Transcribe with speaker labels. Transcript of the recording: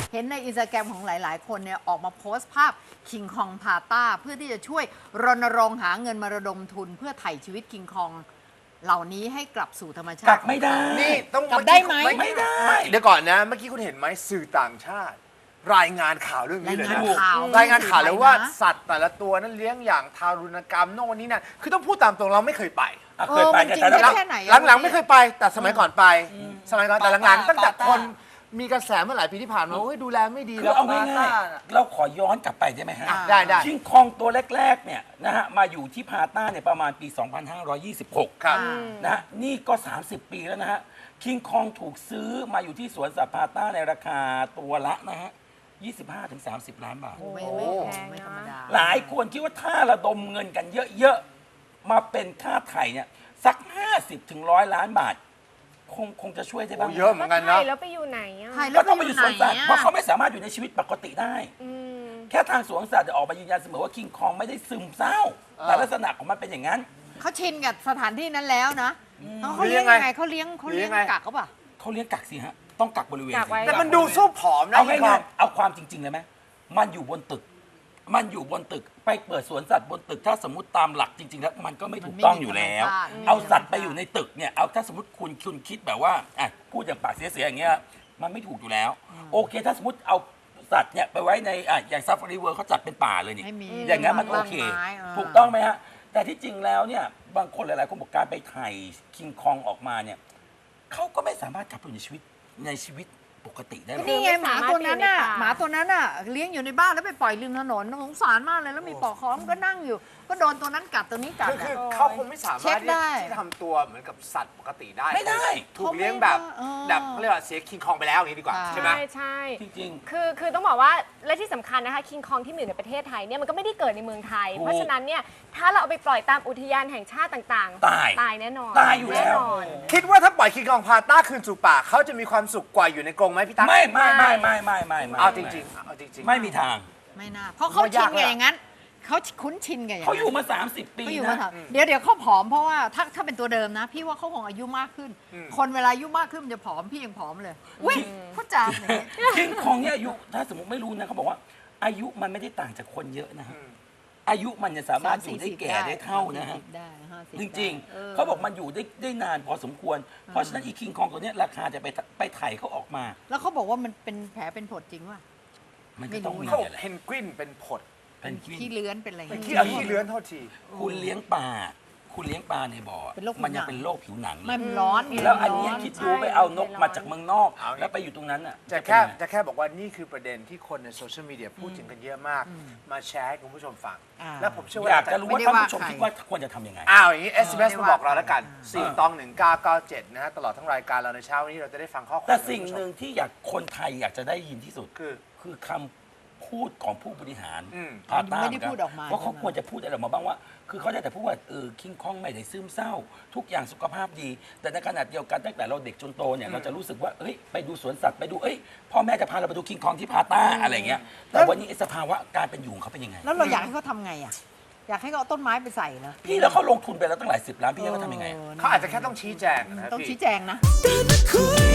Speaker 1: เห็นในอินสตาแกรมของหลายๆ คนเนี่ยออกมาโพสต์ภาพคิงคองพาต้าเพื่อที่จะช่วยรณรงค์หาเงินมาระดมทุนเพื่อไถ่ชีวิตคิงคองเหล่านี้ให้กลับสู่ธรรมชาติ
Speaker 2: กลับไม่ได้
Speaker 3: นี่ต้อง
Speaker 1: กลับได้ไหม
Speaker 2: ไม่ได้
Speaker 3: เดี๋ยวก่อนนะ เมื่อกี้คุณเห็นไหมสื่อต่างชาติ รายงานข่าวเรื่องนี้เลยนะ
Speaker 1: รายงานข่าว
Speaker 3: เลยว่าสัตว์แต่ละตัวนั้นเลี้ยงอย่างทารุณกรรมโน่นนี่นั่นคือต้องพูดตามตรงเราไม่เคยไป
Speaker 2: เคยไป
Speaker 1: มันจริง
Speaker 2: แต่
Speaker 1: ได้แค่ไหนอะ
Speaker 3: หลังๆไม่เคยไป แต่สมัยก่อนไป สมัยก่อนแต่หลังๆตั้งแต่คนมีกระแสเมื่อหลายปีที่ผ่านมาดูแลไม่ดี
Speaker 2: คือเอาง่ายๆเราขอย้อนกลับไปได้ไหมฮะ
Speaker 3: ได้
Speaker 2: คิงคองตัวแรกๆเนี่ยนะฮะมาอยู่ที่พาต้าเนี่ยประมาณปี 2526
Speaker 3: ครับ
Speaker 2: นะฮะนี่ก็ 30 ปีแล้วนะฮะคิงคองถูกซื้อมาอยู่ที่สวนสัตว์พาต้าในราคาตัวละนะฮะ 25-30 ล้านบาท
Speaker 1: ไม่ธรรมดา
Speaker 2: หลายคนคิดว่าถ้าระดมเงินกันเยอะๆ มาเป็นค่าไถ่เนี่ยสัก 50-100 ล้านบาท คงจะช่วยได้บ้าง
Speaker 3: เยอะเหมือนกันนะ
Speaker 4: แล้วไปอยู่ไหนอ่ะ
Speaker 2: ก็ต้องไปอยู่สวนสัตว์เพราะเขาไม่สามารถอยู่ในชีวิตปกติได้
Speaker 4: อืม
Speaker 2: แค่ทางสวนสัตว์จะออกมายืนยันเสมอว่าคิงคองไม่ได้ซึมเศร้า แต่ลักษณะของมันเป็นอย่างนั้น
Speaker 1: เขาชินกับสถานที่นั้นแล้วนะเขาเลี้ยงยังไงเขาเลี้ยงกักเขาป่ะ
Speaker 2: เขาเลี้ยงกักสิฮะ ต้องกักบริเวณ
Speaker 4: กักไว้
Speaker 3: แต่มันดูสู้ผอมนะ
Speaker 2: เอา
Speaker 3: คิงคอ
Speaker 2: ง่าง ยๆเอาความจริงๆเลยไหมมันอยู่บนตึก มันอยู่บนตึกไปเปิดสวนสัตว์บนตึกถ้าสมมติตามหลักจริงๆแล้วมันก็ไม่ถูกต้องอยู่แล้ว เอาสัตว์ไปอยู่ในตึกเนี่ยเอาถ้าสมมติคุณคิดแบบว่าอ่ะพูดอย่างปากเสียๆอย่างเงี้ยมันไม่ถูกอยู่แล้ว โอเค ถ้าสมมติเอาสัตว์เนี่ยไปไว้ในอ่ะอย่างซาฟารีเวิร์เขาจัดเป็นป่าเลยนี่
Speaker 1: ไม่มี
Speaker 2: อย่างนั้นมันโอเค
Speaker 1: ต้นไม้
Speaker 2: ถูกต้องไหมฮะแต่ที่จริงแล้วเนี่ยบางคนหลายๆคนบอกการไปถ่ายคิงคองออกมาเนี่ยเขาก็ไม่สามารถกลับไปอยู่ในชีวิตปกติได้หรอก
Speaker 1: นี่ไงหมาตัวนั้นน่ะ
Speaker 4: ไม่สามารถอยู่ในป่า
Speaker 1: หมาตัวนั้นน่ะเลี้ยงอยู่ในบ้านแล้วไปปล่อยริมถนนสงสารมากเลยแล้วมีปลอกคอมนก็นั่งอยู่ ก็โดนตัวนั้นกัดตัวนี้กัด
Speaker 3: คือ
Speaker 1: อะ
Speaker 3: เขาคงไม่สา
Speaker 1: เช็
Speaker 3: มาร
Speaker 1: ค
Speaker 3: ถ
Speaker 1: ได้
Speaker 3: ที่ทำตัวเหมือนกับสัตว์ปกติได้
Speaker 2: ไม่ได้
Speaker 3: ถูกเลี้ยงแบบ
Speaker 1: เออ
Speaker 3: แบบเขาเรียกว่าเสียคิงคองไปแล้วอย่างนี้ดีกว่า
Speaker 1: ใช่
Speaker 3: ใช่ไหม
Speaker 4: ใช่
Speaker 2: จริง
Speaker 4: คือต้องบอกว่าและที่สำคัญนะคะคิงคองที่มีอยู่ในประเทศไทยเนี่ยมันก็ไม่ได้เกิดในเมืองไทย
Speaker 2: ถูก
Speaker 4: เพราะฉะนั้นเนี่ยถ้าเราเอาไปปล่อยตามอุทยานแห่งชาติต่างๆ
Speaker 2: ตาย
Speaker 4: แน่นอน
Speaker 2: ตายอยู่แล้ว
Speaker 4: แน่นอน
Speaker 3: คิดว่าถ้าปล่อยคิงคองพาต้าคืนสู่ป่าเขาจะมีความสุขกว่าอยู่ในกรงไหมพี่ตั๊ก
Speaker 2: ไม่
Speaker 3: เอาจริงๆเอาจริงๆ
Speaker 2: ไม่มีทาง
Speaker 1: ไม่น่าเพราะเขาชินกับอย่างนั้นเขาคุ้นชินกับอย่าง
Speaker 2: เขา
Speaker 1: นั้น
Speaker 2: อยู่มา 30 ปี
Speaker 1: เขาอยู่
Speaker 2: นะ
Speaker 1: มาถามเดี๋ยวเขาผอมเพราะว่าถ้าเป็นตัวเดิมนะ พี่ว่าเขาคงอายุมากขึ้น คนเวลาอายุมากขึ้นมันจะผอมพี่ยังผอมเลยอุ้ยพูดจาอย่างนี้
Speaker 2: คิงคองเนี่ยอายุถ้าสมมติไม่รู้นะเขาบอกว่า อายุมันไม่ได้ต่างจากคนเยอะนะฮะอายุมันจะสามารถอยู่ได้แก่ได้เท่านะฮะ
Speaker 1: ได้50
Speaker 2: จริงๆ เขาบอกมันอยู่ได้นานพอสมควร เพราะฉะนั้นอีคิงคองตัวเนี้ยราคาจะไปไถ่เขาออกมา
Speaker 1: แล้วเขาบอกว่ามันเป็นแผลเป็นผดจริงว่ะ
Speaker 2: มันก็ต้องมี
Speaker 3: เขาบอก
Speaker 2: แหละ
Speaker 3: เพนกวินเป็นผด
Speaker 2: เป็นควิ
Speaker 1: ขี้
Speaker 2: น
Speaker 1: เลื้อนเป็นอะไรอย่าง
Speaker 3: เป็น
Speaker 1: เงี้ย
Speaker 3: ขี้เลื้อนเท่าที
Speaker 2: คุณเลี้ยงปลาในบ่อ
Speaker 1: เป็นโรคผิวหนัง
Speaker 2: มันยังเป็นโรคผิวหนังเล
Speaker 1: ไม่
Speaker 2: ย
Speaker 1: มันร้อน
Speaker 2: แล้วอันเนี้ย
Speaker 1: ร้
Speaker 2: คิดดูไปเอานกมาจากเมืองนอก
Speaker 3: เอาอย่างงี้
Speaker 2: แล้วไปอยู่ตรงนั้นอ่ะ
Speaker 3: จะแค่บอกว่านี่คือประเด็นที่คนในโซเชียลมีเดียพูดถึงกันเยอะมาก มาแชร์ให้คุณผู้ชมฟัง แล้วผมเชื่อว่า
Speaker 2: อยากจะรู้ว่า
Speaker 1: ไม่ได้
Speaker 2: ท่าน
Speaker 1: ว่า
Speaker 2: ผู้ชม
Speaker 1: ใคร
Speaker 2: คิดว่าควรจะทำยังไง
Speaker 3: อ้าวอย่างนี้ SMS
Speaker 1: ไม่
Speaker 3: มา
Speaker 1: ได้ว่า
Speaker 3: บอกเราแล้วกัน
Speaker 1: ใคร
Speaker 3: 4ตอง1997 นะฮะ ตลอดทั้งรายการเราในเช้าวันนี้เราจะได้ฟังข้อความ
Speaker 2: แต่สิ่งหนึ่งที่คนไทยอยากจะได้ยินที่สุด
Speaker 3: คือ
Speaker 2: คำพูดของผู้บริหาร
Speaker 3: อืม
Speaker 2: พาต้า
Speaker 1: ไม่ได้พูดออกมา
Speaker 2: ว่าเขา
Speaker 1: ใช่ไหม
Speaker 2: ควรจะพูดอะไรออกมาบ้างว่า คือเขาได้แต่พูดว่าคิงคองไม่ได้ซึมเศร้า ทุกอย่างสุขภาพดี แต่ในขณะเดียวกันตั้งแต่เราเด็กจนโตเนี่ยเราจะรู้สึกว่าเฮ้ยไปดูสวนสัตว์ไปดูพ่อแม่จะพาเราไปดูคิงคองที่พาต้าอะไรเงี้ยแต่วันนี้ไอ้สภาวะการเป็นอยู่ของเขาเป็นยังไง
Speaker 1: แล้วเราอยากให้เขาทำไงอ่ะอยากให้เขาเอาต้นไม้ไปใส่เหรอ
Speaker 2: พี่แล้วเขาลงทุนไปแล้วตั้งหลาย10 ล้านพี่แล้วเขาทำยังไง
Speaker 3: เขาอาจจะแค่ต้องชี้แจงนะ
Speaker 1: ต้อง
Speaker 3: พี่
Speaker 1: ชี้แจงนะ